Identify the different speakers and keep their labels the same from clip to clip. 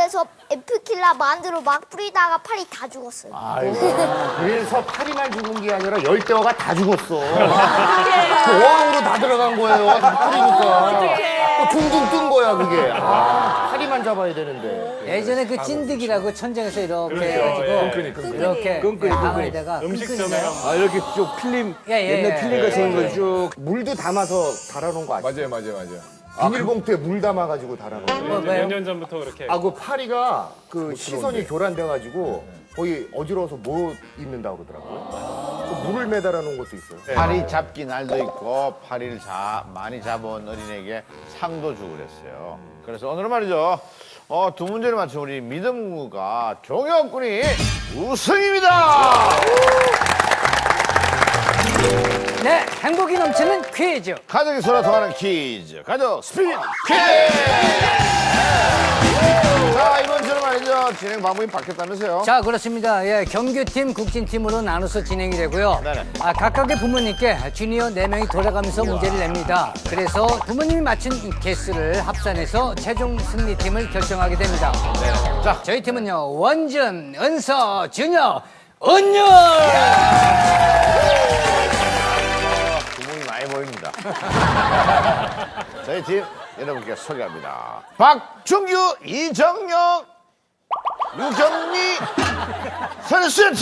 Speaker 1: 그래서 에프킬라 만두로 막 뿌리다가 팔이 다 죽었어요.
Speaker 2: 아이고. 그래서 파리만 죽은 게 아니라 열대어가 다 죽었어. 어항으로 다 들어간 거예요. 다 뿌리니까. 또 둥둥 뜬 거야 그게. 파리만 잡아야 되는데.
Speaker 3: 예전에 그 찐득이라고 천장에서 이렇게 해가지고 이렇게 방에다가
Speaker 4: 음식점에
Speaker 5: 아 이렇게 쭉 필름
Speaker 3: 예,
Speaker 5: 옛날
Speaker 3: 예.
Speaker 5: 필름 같이 있는 거 쭉.
Speaker 2: 물도 담아서 달아놓은 거 아시죠?
Speaker 4: 맞아요.
Speaker 2: 비닐봉투에 물 담아가지고 달아놓은 거.
Speaker 4: 몇 년 전부터 그렇게.
Speaker 2: 아, 그 파리가 그 시선이 교란돼가지고 거의 어지러워서 못 입는다고 그러더라고요. 그 물을 매달아 놓은 것도 있어요.
Speaker 6: 파리 잡기 날도 있고 파리를 많이 잡은 어린에게 상도 주고 그랬어요. 그래서 오늘은 말이죠. 두 문제를 맞춘 우리 믿음구가 종혁군이 우승입니다.
Speaker 3: 네, 행복이 넘치는 퀴즈.
Speaker 6: 가족이 서로 통하는 퀴즈. 가족 스피드 퀴즈. 자, 이번 주는 말이죠. 진행 방법이 바뀌었다면서요?
Speaker 3: 자, 그렇습니다. 예, 경규팀, 국진팀으로 나눠서 진행이 되고요.
Speaker 6: 네네.
Speaker 3: 각각의 부모님께 주니어 4명이 돌아가면서 문제를 냅니다. 그래서 부모님이 맞춘 개수를 합산해서 최종 승리팀을 결정하게 됩니다. 자, 저희 팀은요, 원준, 은서, 준혁, 은율!
Speaker 6: 구멍이 많이 보입니다. 저희 팀 여러분께 소개합니다. 박준규, 이정영, 유경미, 선수팀!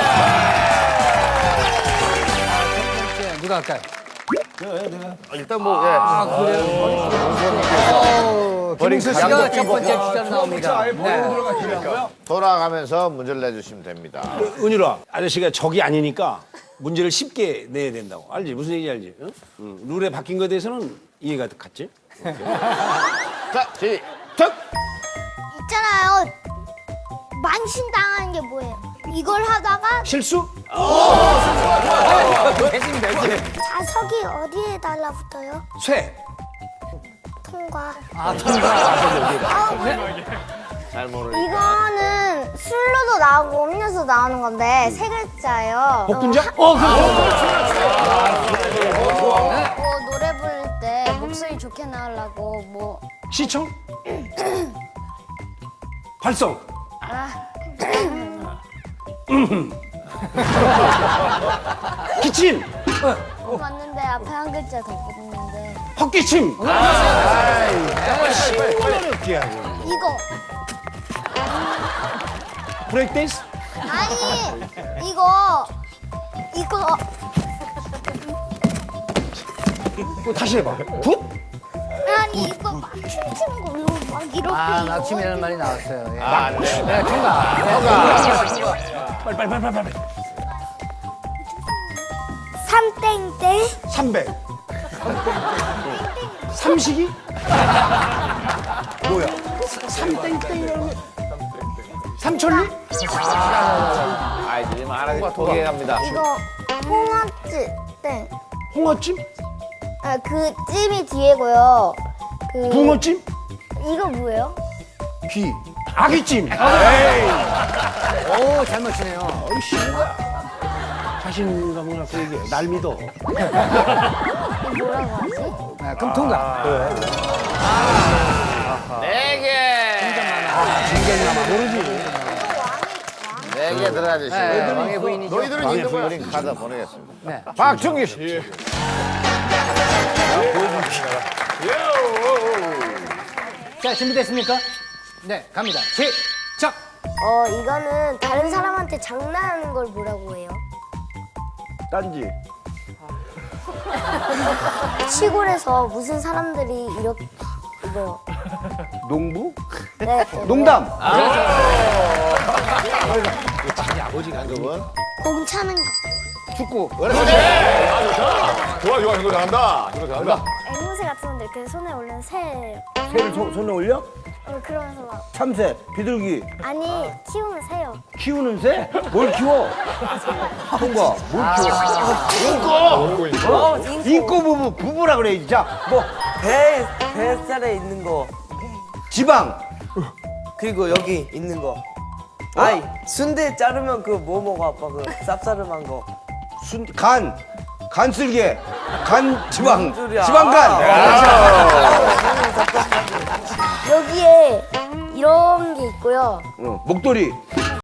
Speaker 3: 누가 할까요?
Speaker 2: 일단 뭐, 예.
Speaker 3: 김웅수 씨가 첫 번째 주자로 나옵니다. 네.
Speaker 6: 돌아가면서 문제를 내주시면 됩니다.
Speaker 5: 은유라 아저씨가 적이 아니니까 문제를 쉽게 내야 된다고. 알지? 무슨 얘기인지 알지? 응? 룰에 바뀐 거에 대해서는 이해가 갔지?
Speaker 6: 자, 시작!
Speaker 1: 있잖아요. 만신당하는 게 뭐예요? 이걸 하다가
Speaker 5: 실수?
Speaker 1: 자석이 어디에 달라붙어요?
Speaker 5: 쇠.
Speaker 1: 통과.
Speaker 6: 잘 모르겠어요.
Speaker 1: 이거는 술로도 나오고 음료수 나오는 건데 세 글자예요.
Speaker 5: 복분자?
Speaker 1: 뭐 노래 부를 때 목소리 좋게 나오려고 뭐
Speaker 5: 시청? 발성? 기침?
Speaker 1: 맞는데 앞에 한 글자 더 붙는데
Speaker 5: 헛기침?
Speaker 1: 이거
Speaker 5: 브레이크 댄스?
Speaker 1: 아니 이거
Speaker 5: 다시 해봐. 굿?
Speaker 1: 아니 이거 막 춤추는 거 이거 막 이렇게 이거
Speaker 3: 낙침이라는 말이 나왔어요. 예.
Speaker 6: 아, 네.
Speaker 3: 네, 통과.
Speaker 5: 빨리.
Speaker 1: 삼땡땡
Speaker 5: 300. 삼식이? 뭐야? 삼땡땡이라는 거. 삼천리?
Speaker 6: 아이들이 말하니까 도개 갑니다.
Speaker 1: 이거 홍합찜 땡.
Speaker 5: 홍어찜?
Speaker 1: 아, 그 찜이 뒤에고요. 그
Speaker 5: 붕어찜?
Speaker 1: 이거 뭐예요?
Speaker 5: 귀. 아귀찜.
Speaker 3: 오, 잘 맞추네요.
Speaker 5: 자신감을 갖고 얘기해. 날 믿어.
Speaker 1: 이거 뭐라고 하지?
Speaker 3: 네, 그럼 통과.
Speaker 6: 네 개. 네 개 들어가주시고.
Speaker 3: 네, 왕의 부인이죠.
Speaker 2: 너희들은 있는 거야.
Speaker 6: 그린 카드 보내겠습니다.
Speaker 3: 네.
Speaker 6: 박준규 씨.
Speaker 3: 자, 준비됐습니까? 네, 갑니다. 시작!
Speaker 1: 이거는 다른 사람한테 장난하는 걸 뭐라고 해요?
Speaker 5: 딴지.
Speaker 1: 시골에서 무슨 사람들이 이렇게 이거
Speaker 5: 농부?
Speaker 1: 네,
Speaker 5: 농담.
Speaker 6: 그분
Speaker 1: 공 차는 거.
Speaker 5: 축구.
Speaker 4: 좋아, 이거 잘한다. 이거 잘한다.
Speaker 1: 앵무새 같은 건데 이렇게 손에 올리는 새예요.
Speaker 5: 새를 손에 올려?
Speaker 1: 그러면서 막
Speaker 5: 참새, 비둘기.
Speaker 1: 아니 키우는 새요.
Speaker 5: 키우는 새? 뭘 키워? 통과. 뭘 키워? 인꼬 부부라 그래. 자, 뭐
Speaker 7: 뱃살에 있는 거
Speaker 5: 지방,
Speaker 7: 그리고 여기 있는 거 아이 순대 자르면 그 뭐 먹어 아빠 그 쌉싸름한 거
Speaker 5: 간쓸개, 지방,
Speaker 7: 무슨 소리야.
Speaker 5: 지방간.
Speaker 1: 여기에 이런 게 있고요.
Speaker 8: 목도리.